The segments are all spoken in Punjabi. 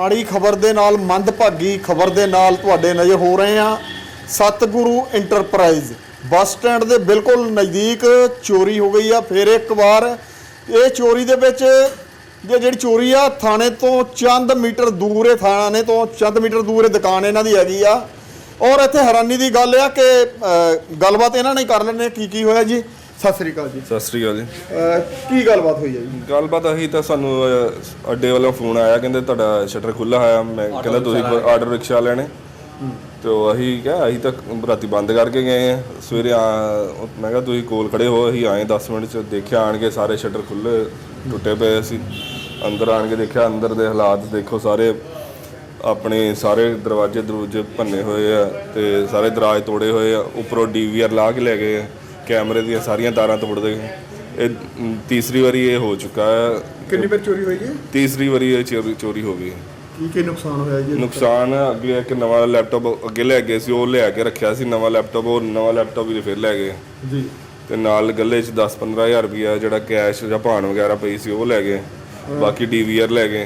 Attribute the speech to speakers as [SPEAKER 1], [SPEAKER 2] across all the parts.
[SPEAKER 1] ਮਾੜੀ ਖਬਰ ਦੇ ਨਾਲ ਮੰਦਭਾਗੀ ਖਬਰ ਦੇ ਨਾਲ ਤੁਹਾਡੇ ਨਜ਼ਰ ਹੋ ਰਹੇ ਆ। ਸਤਿਗੁਰੂ ਇੰਟਰਪ੍ਰਾਈਜ਼ ਬੱਸ ਸਟੈਂਡ ਦੇ ਬਿਲਕੁਲ ਨਜ਼ਦੀਕ ਚੋਰੀ ਹੋ ਗਈ ਆ। ਫਿਰ ਇੱਕ ਵਾਰ ਇਹ ਚੋਰੀ ਦੇ ਵਿੱਚ ਜਿਹੜੀ ਚੋਰੀ ਆ ਥਾਣੇ ਤੋਂ ਚੰਦ ਮੀਟਰ ਦੂਰ ਹੈ, ਥਾਣੇ ਤੋਂ ਚੰਦ ਮੀਟਰ ਦੂਰ ਦੁਕਾਨ ਇਹਨਾਂ ਦੀ ਹੈਗੀ ਆ। ਔਰ ਇੱਥੇ ਹੈਰਾਨੀ ਦੀ ਗੱਲ ਆ ਕਿ ਗੱਲਬਾਤ ਇਹਨਾਂ ਨੇ ਕਰ ਲੈਣੇ ਕੀ ਹੋਇਆ ਜੀ। ਸਤਿ ਸ੍ਰੀ ਅਕਾਲ ਜੀ।
[SPEAKER 2] ਸਤਿ ਸ੍ਰੀ ਅਕਾਲ ਜੀ।
[SPEAKER 1] ਕੀ ਗੱਲਬਾਤ ਹੋਈ ਹੈ ਜੀ?
[SPEAKER 2] ਗੱਲਬਾਤ ਅਸੀਂ ਤਾਂ ਸਾਨੂੰ ਅੱਡੇ ਵੱਲੋਂ ਫੋਨ ਆਇਆ, ਕਹਿੰਦੇ ਤੁਹਾਡਾ ਸ਼ਟਰ ਖੁੱਲ੍ਹਾ ਹੋਇਆ। ਮੈਂ ਕਹਿੰਦਾ ਤੁਸੀਂ ਆਰਡਰ ਰਿਕਸ਼ਾ ਲੈਣੇ ਤੇ ਅਸੀਂ ਕਿਹਾ ਅਸੀਂ ਤਾਂ ਰਾਤੀ ਬੰਦ ਕਰਕੇ ਗਏ ਆ। ਸਵੇਰੇ ਮੈਂ ਕਿਹਾ ਤੁਸੀਂ ਕੋਲ ਖੜੇ ਹੋ, ਅਸੀਂ ਆਏ 10 ਮਿੰਟ 'ਚ। ਦੇਖਿਆ ਆਣ ਕੇ ਸਾਰੇ ਸ਼ਟਰ ਖੁੱਲ੍ਹੇ ਟੁੱਟੇ ਪਏ ਸੀ। ਅੰਦਰ ਆਣ ਕੇ ਦੇਖਿਆ, ਅੰਦਰ ਦੇ ਹਾਲਾਤ ਦੇਖੋ ਸਾਰੇ, ਆਪਣੇ ਸਾਰੇ ਦਰਵਾਜ਼ੇ ਭੰਨੇ ਹੋਏ ਆ ਤੇ ਸਾਰੇ ਦਰਾਜ ਤੋੜੇ ਹੋਏ ਆ। ਉੱਪਰੋਂ DVR ਲਾ ਕੇ ਲੈ ਗਏ ਆ, ਕੈਮਰੇ ਦੀਆਂ ਸਾਰੀਆਂ ਤਾਰਾਂ ਤੋੜ ਦੇ। ਇਹ ਤੀਸਰੀ ਵਾਰੀ ਇਹ ਹੋ ਚੁੱਕਾ ਹੈ।
[SPEAKER 1] ਕਿੰਨੀ ਵਾਰ ਚੋਰੀ ਹੋਈ ਜੀ?
[SPEAKER 2] ਤੀਸਰੀ ਵਾਰੀ ਇਹ ਚੋਰੀ ਹੋ ਗਈ।
[SPEAKER 1] ਕੀ ਨੁਕਸਾਨ ਹੋਇਆ ਜੀ?
[SPEAKER 2] ਨੁਕਸਾਨ ਅੱਗੇ ਇੱਕ ਨਵਾਂ ਲੈਪਟਾਪ ਅੱਗੇ ਲੈ ਗਏ ਸੀ, ਉਹ ਲਿਆ ਕੇ ਰੱਖਿਆ ਸੀ ਨਵਾਂ ਲੈਪਟਾਪ, ਉਹ ਨਵਾਂ ਲੈਪਟਾਪ ਵੀ ਫਿਰ ਲੈ ਗਏ
[SPEAKER 1] ਜੀ।
[SPEAKER 2] ਤੇ ਨਾਲ ਗੱਲੇ 'ਚ 10-15 ਹਜ਼ਾਰ ਰੁਪਈਆ ਜਿਹੜਾ ਕੈਸ਼ ਜਾਂ ਭਾਣ ਵਗੈਰਾ ਪਈ ਸੀ ਉਹ ਲੈ ਗਏ। ਬਾਕੀ DVR ਲੈ ਗਏ।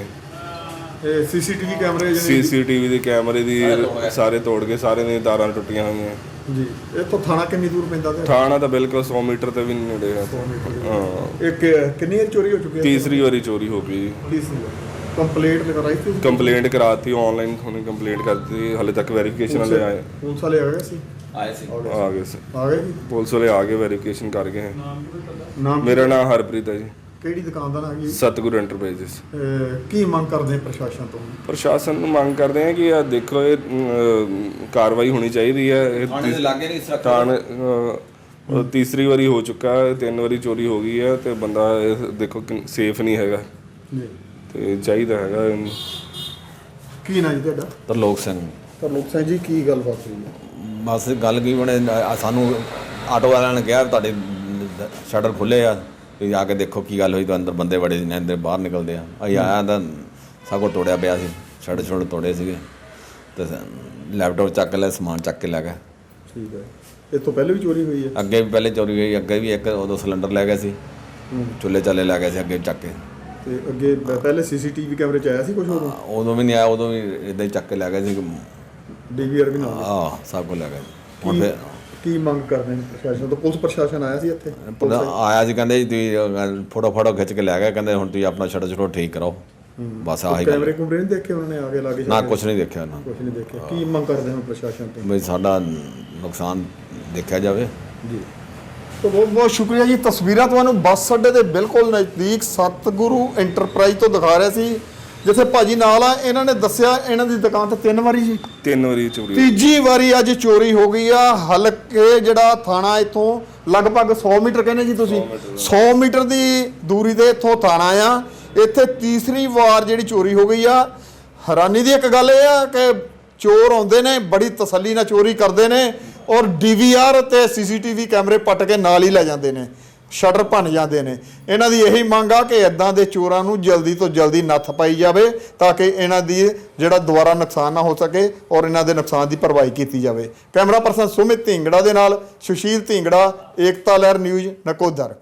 [SPEAKER 2] CCTV ਦੇ ਕੈਮਰੇ ਦੀ ਸਾਰੇ ਤੋੜ ਕੇ, ਸਾਰੇ ਦੀਆਂ ਤਾਰਾਂ ਟੁੱਟੀਆਂ ਹੋਈਆਂ
[SPEAKER 1] ਜੀ। ਇੱਥੋਂ ਥਾਣਾ ਕਿੰਨੀ ਦੂਰ ਪੈਂਦਾ?
[SPEAKER 2] ਥਾਣਾ ਤਾਂ ਬਿਲਕੁਲ 100 ਮੀਟਰ ਤੇ ਵੀ ਨਹੀਂ ਨੇੜੇ ਹੈ। ਹਾਂ।
[SPEAKER 1] ਕਿੰਨੀ ਵਾਰ ਚੋਰੀ ਹੋ ਚੁੱਕੀ ਹੈ?
[SPEAKER 2] ਤੀਸਰੀ ਵਾਰੀ ਚੋਰੀ ਹੋ ਗਈ।
[SPEAKER 1] ਕੰਪਲੇਂਟ ਲਗਾਈ ਸੀ?
[SPEAKER 2] ਕੰਪਲੇਂਟ ਕਰਾਤੀ ਆਨਲਾਈਨ, ਹੁਣੇ ਕੰਪਲੇਂਟ ਕਰਤੀ। ਹਾਲੇ ਤੱਕ ਵੈਰੀਫਿਕੇਸ਼ਨ ਵਾਲੇ ਆਏ।
[SPEAKER 1] ਪੁਲਿਸ ਵਾਲੇ ਆ ਗਏ ਸੀ?
[SPEAKER 2] ਆ ਗਏ ਜੀ। ਪੁਲਿਸ ਵਾਲੇ ਆ ਕੇ ਵੈਰੀਫਿਕੇਸ਼ਨ ਕਰ ਗਏ।
[SPEAKER 1] ਨਾਮ?
[SPEAKER 2] ਮੇਰਾ ਨਾਮ ਹਰਪ੍ਰੀਤ ਹੈ ਜੀ।
[SPEAKER 1] ਕਿਹੜੀ ਦੁਕਾਨ ਦਾ ਨਾਮ ਹੈ?
[SPEAKER 2] ਸਤਿਗੁਰੂ ਐਂਟਰਪ੍ਰਾਈਜ਼ਸ।
[SPEAKER 1] ਕੀ ਮੰਗ ਕਰਦੇ ਪ੍ਰਸ਼ਾਸਨ ਤੋਂ?
[SPEAKER 2] ਪ੍ਰਸ਼ਾਸਨ ਨੂੰ ਮੰਗ ਕਰਦੇ ਆ ਕਿ ਦੇਖੋ ਇਹ ਕਾਰਵਾਈ ਹੋਣੀ ਚਾਹੀਦੀ ਹੈ। ਥਾਣੇ ਤੀਸਰੀ ਵਾਰੀ ਹੋ ਚੁੱਕਾ ਹੈ, 3 ਵਾਰੀ ਚੋਰੀ ਹੋ ਗਈ ਹੈ ਤੇ ਬੰਦਾ ਦੇਖੋ ਸੇਫ ਨਹੀਂ ਹੈਗਾ
[SPEAKER 1] ਜੀ
[SPEAKER 2] ਤੇ ਚਾਹੀਦਾ ਹੈਗਾ।
[SPEAKER 1] ਕੀ ਨਾਂ ਜੀ ਤੁਹਾਡਾ?
[SPEAKER 3] ਤਰਲੋਕ ਸਿੰਘ।
[SPEAKER 1] ਤਰਲੋਕ ਸਿੰਘ ਜੀ, ਕੀ ਗੱਲਬਾਤ ਹੋਈ ਹੈ?
[SPEAKER 3] ਬਸ ਗੱਲ ਕੀ ਬਣੇ, ਸਾਨੂੰ ਆਟੋ ਵਾਲਿਆਂ ਨੇ ਕਿਹਾ ਤੁਹਾਡੇ ਸ਼ਟਰ ਖੁੱਲ੍ਹੇ ਆ, ਤੁਸੀਂ ਆ ਕੇ ਦੇਖੋ ਕੀ ਗੱਲ ਹੋਈ। ਤਾਂ ਅੰਦਰ ਬੰਦੇ ਬੜੇ ਨੇ, ਅੰਦਰ ਬਾਹਰ ਨਿਕਲਦੇ ਆ। ਅਸੀਂ ਆਇਆ ਤਾਂ ਸਭ ਕੁਛ ਤੋੜਿਆ ਪਿਆ ਸੀ, ਸ਼ਟਰ ਤੋੜੇ ਸੀਗੇ ਤੇ ਲੈਪਟਾਪ ਚੱਕ ਲਿਆ, ਸਮਾਨ ਚੱਕ ਕੇ ਲੈ ਗਏ।
[SPEAKER 1] ਠੀਕ ਹੈ। ਇਹ ਤੋਂ ਪਹਿਲੇ ਵੀ ਚੋਰੀ ਹੋਈ ਹੈ?
[SPEAKER 3] ਅੱਗੇ ਵੀ ਪਹਿਲੇ ਚੋਰੀ ਹੋਈ, ਅੱਗੇ ਵੀ ਇੱਕ ਉਦੋਂ ਸਿਲੰਡਰ ਲੈ ਗਏ ਸੀ, ਚੁੱਲ੍ਹੇ ਚਾਲੇ ਲੈ ਗਏ ਸੀ ਅੱਗੇ ਚੱਕ ਕੇ।
[SPEAKER 1] ਤੇ ਅੱਗੇ ਪਹਿਲੇ CCTV ਕੈਮਰੇ 'ਚ ਆਇਆ ਸੀ ਕੁਝ?
[SPEAKER 3] ਉਦੋਂ ਵੀ ਨਹੀਂ ਆਇਆ, ਉਦੋਂ ਵੀ ਇੱਦਾਂ ਹੀ ਚੱਕ ਕੇ ਲੈ ਗਏ ਸੀ।
[SPEAKER 1] DVR ਵੀ ਨਾਲ?
[SPEAKER 3] ਸਭ ਕੁਝ ਲੈ ਗਏ। ਹੁਣ ਫਿਰ
[SPEAKER 1] ਕੀ ਮੰਗ ਕਰਦੇ ਨੇ ਪ੍ਰਸ਼ਾਸਨ ਤੋਂ? ਪੁਲਿਸ ਪ੍ਰਸ਼ਾਸਨ ਆਇਆ ਸੀ ਇੱਥੇ?
[SPEAKER 3] ਆਇਆ ਸੀ, ਕਹਿੰਦੇ ਜੀ ਤੁਸੀਂ ਫੋਟੋ ਖਿੱਚ ਕੇ ਲੈ ਗਏ, ਕਹਿੰਦੇ ਹੁਣ ਤੁਸੀਂ ਆਪਣਾ ਸ਼ਟਰ ਠੀਕ ਕਰਾਓ। ਬਸ ਆਹੀ
[SPEAKER 1] ਕੈਮਰੇ ਕੁਮਰੇ ਨਹੀਂ ਦੇਖੇ ਉਹਨਾਂ ਨੇ ਆ ਕੇ ਲਾ ਕੇ?
[SPEAKER 3] ਨਾ, ਕੁਛ ਨਹੀਂ ਦੇਖਿਆ ਨਾ,
[SPEAKER 1] ਕੁਛ ਨਹੀਂ ਦੇਖਿਆ। ਕੀ ਮੰਗ ਕਰਦੇ ਹੋ ਪ੍ਰਸ਼ਾਸਨ ਤੋਂ?
[SPEAKER 3] ਬਈ ਸਾਡਾ ਨੁਕਸਾਨ ਦੇਖਿਆ ਜਾਵੇ
[SPEAKER 1] ਜੀ। ਤਾਂ ਬਹੁਤ ਬਹੁਤ ਸ਼ੁਕਰੀਆ ਜੀ। ਤਸਵੀਰਾਂ ਤੁਹਾਨੂੰ ਬੱਸ ਅੱਡੇ ਦੇ ਬਿਲਕੁਲ ਨਜ਼ਦੀਕ ਸਤਿਗੁਰੂ ਇੰਟਰਪ੍ਰਾਈਜ਼ ਤੋਂ ਦਿਖਾ ਰਿਹਾ ਸੀ, ਜਿੱਥੇ ਭਾਜੀ ਨਾਲ ਆ। ਇਹਨਾਂ ਨੇ ਦੱਸਿਆ ਇਹਨਾਂ ਦੀ ਦੁਕਾਨ ਤੇ 3 ਵਾਰੀ ਜੀ,
[SPEAKER 2] 3 ਵਾਰੀ ਚੋਰੀ।
[SPEAKER 1] ਤੀਜੀ ਵਾਰੀ ਅੱਜ ਚੋਰੀ ਹੋ ਗਈ ਆ। ਹਲਕੇ ਜਿਹੜਾ ਥਾਣਾ ਇੱਥੋਂ ਲਗਭਗ 100 ਮੀਟਰ ਕਹਿੰਦੇ ਜੀ ਤੁਸੀਂ, 100 ਮੀਟਰ ਦੀ ਦੂਰੀ ਤੇ ਇੱਥੋਂ ਥਾਣਾ ਆ। ਇੱਥੇ ਤੀਸਰੀ ਵਾਰ ਜਿਹੜੀ ਚੋਰੀ ਹੋ ਗਈ ਆ। ਹੈਰਾਨੀ ਦੀ ਇੱਕ ਗੱਲ ਇਹ ਆ ਕਿ ਚੋਰ ਆਉਂਦੇ ਨੇ, ਬੜੀ ਤਸੱਲੀ ਨਾਲ ਚੋਰੀ ਕਰਦੇ ਨੇ ਔਰ DVR ਤੇ CCTV ਕੈਮਰੇ ਪੱਟ ਕੇ ਨਾਲ ਹੀ ਲੈ ਜਾਂਦੇ ਨੇ, ਸ਼ਟਰ ਭੰਨ ਜਾਂਦੇ ਨੇ। ਇਹਨਾਂ ਦੀ ਇਹੀ ਮੰਗ ਆ ਕਿ ਇੱਦਾਂ ਦੇ ਚੋਰਾਂ ਨੂੰ ਜਲਦੀ ਤੋਂ ਜਲਦੀ ਨੱਥ ਪਾਈ ਜਾਵੇ ਤਾਂ ਕਿ ਇਹਨਾਂ ਦੀ ਜਿਹੜਾ ਦੁਬਾਰਾ ਨੁਕਸਾਨ ਨਾ ਹੋ ਸਕੇ ਔਰ ਇਹਨਾਂ ਦੇ ਨੁਕਸਾਨ ਦੀ ਭਰਵਾਈ ਕੀਤੀ ਜਾਵੇ। ਕੈਮਰਾ ਪਰਸਨ ਸੁਮਿਤ ਢਿੰਗੜਾ ਦੇ ਨਾਲ ਸੁਸ਼ੀਲ ਢਿੰਗੜਾ, ਏਕਤਾ ਲਹਿਰ ਨਿਊਜ਼, ਨਕੋਦਰ।